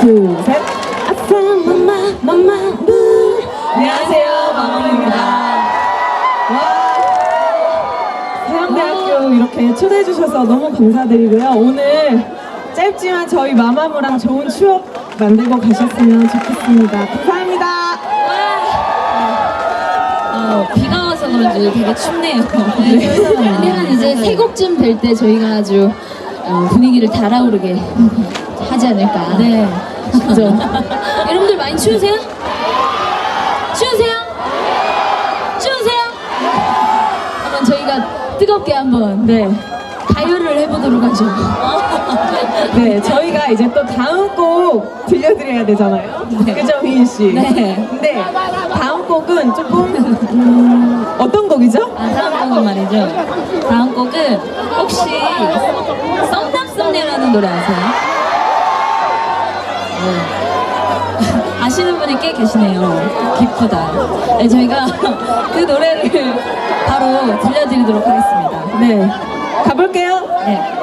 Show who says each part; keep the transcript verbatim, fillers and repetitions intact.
Speaker 1: 둘, 셋. 아싸 마마 마마 무. 안녕하세요, 마마무입니다. 와, 서양대학교 이렇게 초대해 주셔서 너무 감사드리고요. 오늘 짧지만 저희 마마무랑 좋은 추억 만들고 가셨으면 좋겠습니다. 감사합니다.
Speaker 2: 어, 비가 와서 그런지 되게 춥네요. 근데 한 이제 세 곡쯤 될 때 저희가 아주 어, 분위기를 달아오르게 하지 않을까. 네. 그죠. 여러분들 많이 추우세요? 추우세요? 추우세요? 한번 저희가 뜨겁게 한번 네 가요를 해보도록 하죠.
Speaker 1: 네, 저희가 이제 또 다음 곡 들려드려야 되잖아요.
Speaker 2: 네.
Speaker 1: 그죠, 휘인 씨?
Speaker 2: 네.
Speaker 1: 근데 다음 곡은 조금 음, 어떤 곡이죠?
Speaker 2: 아, 다음 곡은 말이죠. 다음 곡은 혹시 썸남썸네라는 노래 아세요? 네. 아시는 분이 꽤 계시네요. 기쁘다. 네, 저희가 그 노래를 바로 들려드리도록 하겠습니다.
Speaker 1: 네, 가볼게요.
Speaker 2: 네.